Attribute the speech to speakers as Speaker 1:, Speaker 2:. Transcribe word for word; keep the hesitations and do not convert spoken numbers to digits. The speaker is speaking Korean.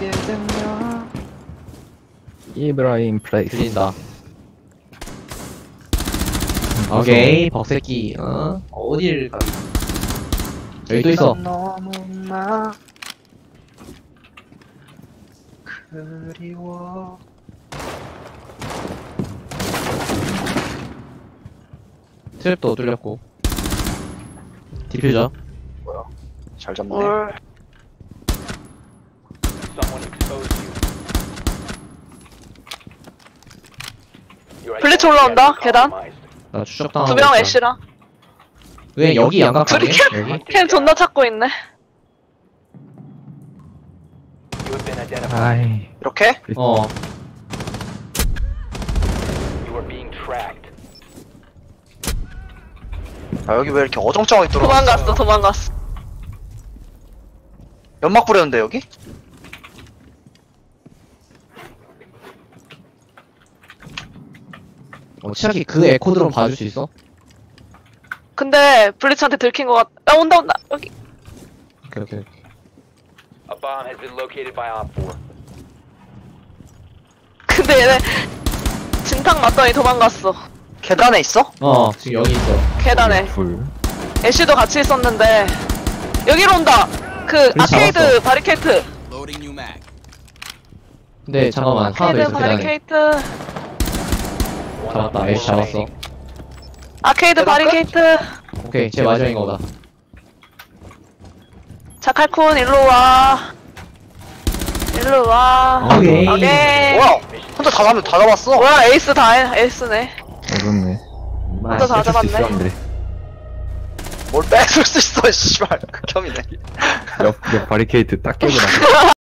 Speaker 1: 하게 되면
Speaker 2: 이브라임 플레이스.
Speaker 3: 들린다. 오케이, 벅새끼. 어? 어딜 가? 여기 또 있어.
Speaker 1: 너무나 그리워.
Speaker 3: 트랩도 뚫렸고. 디퓨저.
Speaker 1: 잘 잡네.
Speaker 4: 뭘. 블리츠 올라온다, 계단.
Speaker 3: 나 추적당하고.
Speaker 4: 두 명
Speaker 3: 있다.
Speaker 4: 애쉬랑.
Speaker 3: 왜 여기 양각하네?
Speaker 4: 둘이
Speaker 3: 여기?
Speaker 4: 캔 존나 찾고 있네.
Speaker 2: 아이.
Speaker 1: 이렇게?
Speaker 3: 어.
Speaker 1: 아 여기 왜 이렇게 어정쩡하게 들어갔어?
Speaker 4: 도망갔어, 도망갔어.
Speaker 1: 연막 뿌렸는데 여기?
Speaker 3: 어, 치아키 그 에코 드론 봐줄 수 있어?
Speaker 4: 근데 블리츠한테 들킨 것 같. 아 온다 온다 여기.
Speaker 3: 오케이, 오케이.
Speaker 5: A bomb has been located by Op four.
Speaker 4: 근데 얘네 진탕 맞더니 도망갔어.
Speaker 1: 계단에 있어?
Speaker 3: 어, 지금 여기 있어.
Speaker 4: 계단에.
Speaker 2: 불.
Speaker 4: 애쉬도 같이 있었는데 여기로 온다. 그
Speaker 3: 블리츠
Speaker 4: 아케이드
Speaker 3: 잡았어.
Speaker 4: 바리케이트.
Speaker 3: 근데 잠깐만, 하나 더
Speaker 4: 아케이드
Speaker 3: 있어, 계단에.
Speaker 4: 바리케이트.
Speaker 3: 잡았다, 애쉬 잡았어.
Speaker 4: 아케이드
Speaker 1: 계단 끝?
Speaker 4: 바리케이트.
Speaker 3: 오케이, 제 마지막인 거다.
Speaker 4: 자 칼쿤 일로 와. 일로 와.
Speaker 3: 오케이.
Speaker 4: 오케이.
Speaker 1: 뭐야? 혼자 다 잡, 다 잡았어?
Speaker 4: 뭐야 에이스 다 해. 에이스네.
Speaker 2: 어렵네.
Speaker 4: 혼자 다 잡았네.
Speaker 2: 있었는데.
Speaker 1: 뭘 뺏을 수 있어, 씨발. 극혐이네.
Speaker 2: 옆, 옆 바리케이트 딱 깨고 나.